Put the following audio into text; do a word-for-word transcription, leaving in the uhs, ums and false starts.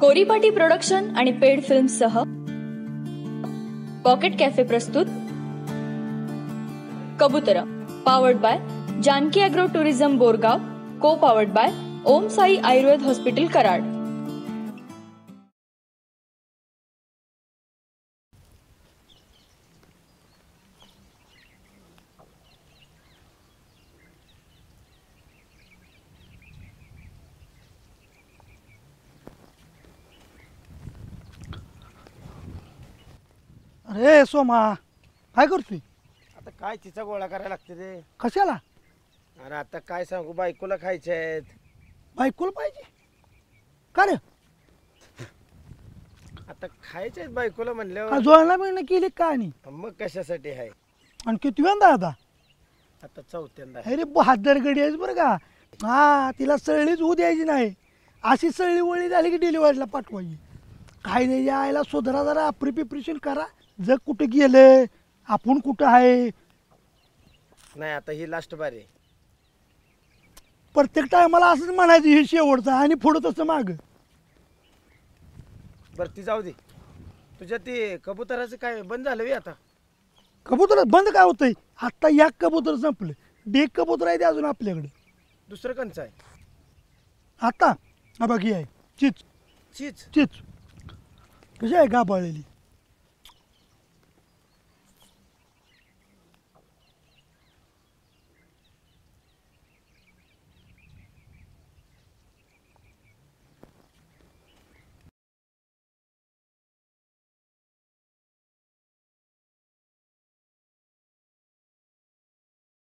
कोरीपाटी production आणि पेड films सह पॉकेट कॅफे प्रस्तुत Kabutara, powered by Janaki agro tourism Borgaon, co powered by Om Sai Ayurved hospital Karad. अरे सोमा, काय करतोय? आता काय तिचा गोळा करायला लागते रे. कशाला? अरे आता काय सांगू, बायकोला खायचे आहेत. बायकोला पाहिजे का रे? आता खायचे आहेत बायकोला का म्हणल्यावर जोडला मिळणं केली का? आणि मग कशासाठी आहे? आणि किती वेळा आता? आता चौथ्यांदा. अरे बहादर गडी आहेस बरं का. हा, तिला सळलीच होऊ द्यायची नाही. अशी सळली वळी झाली की डिलिव्हरीला पाठवायची. काय नाही, यायला सुधारा जरा प्रिपरेशन करा. जग कुठं गेलं, आपण कुठं आहे. नाही आता ही लास्ट बार आहे. प्रत्येक टायमाला असंच म्हणायचं हे शेवटचं आणि पुढं तसं माग. बरं ती जाऊ दे. तुझ्या ते कबुतराचं काय बंद झालं बे आता? कबूतर बंद काय होतंय? आत्ता या कबूतर संपलं. डेक कबूतर आहे ते अजून आपल्याकडे. दुसरं कंचं आहे? आता हा बघी आहे चिच चीच. चिच कशी आहे गाभाळलेली.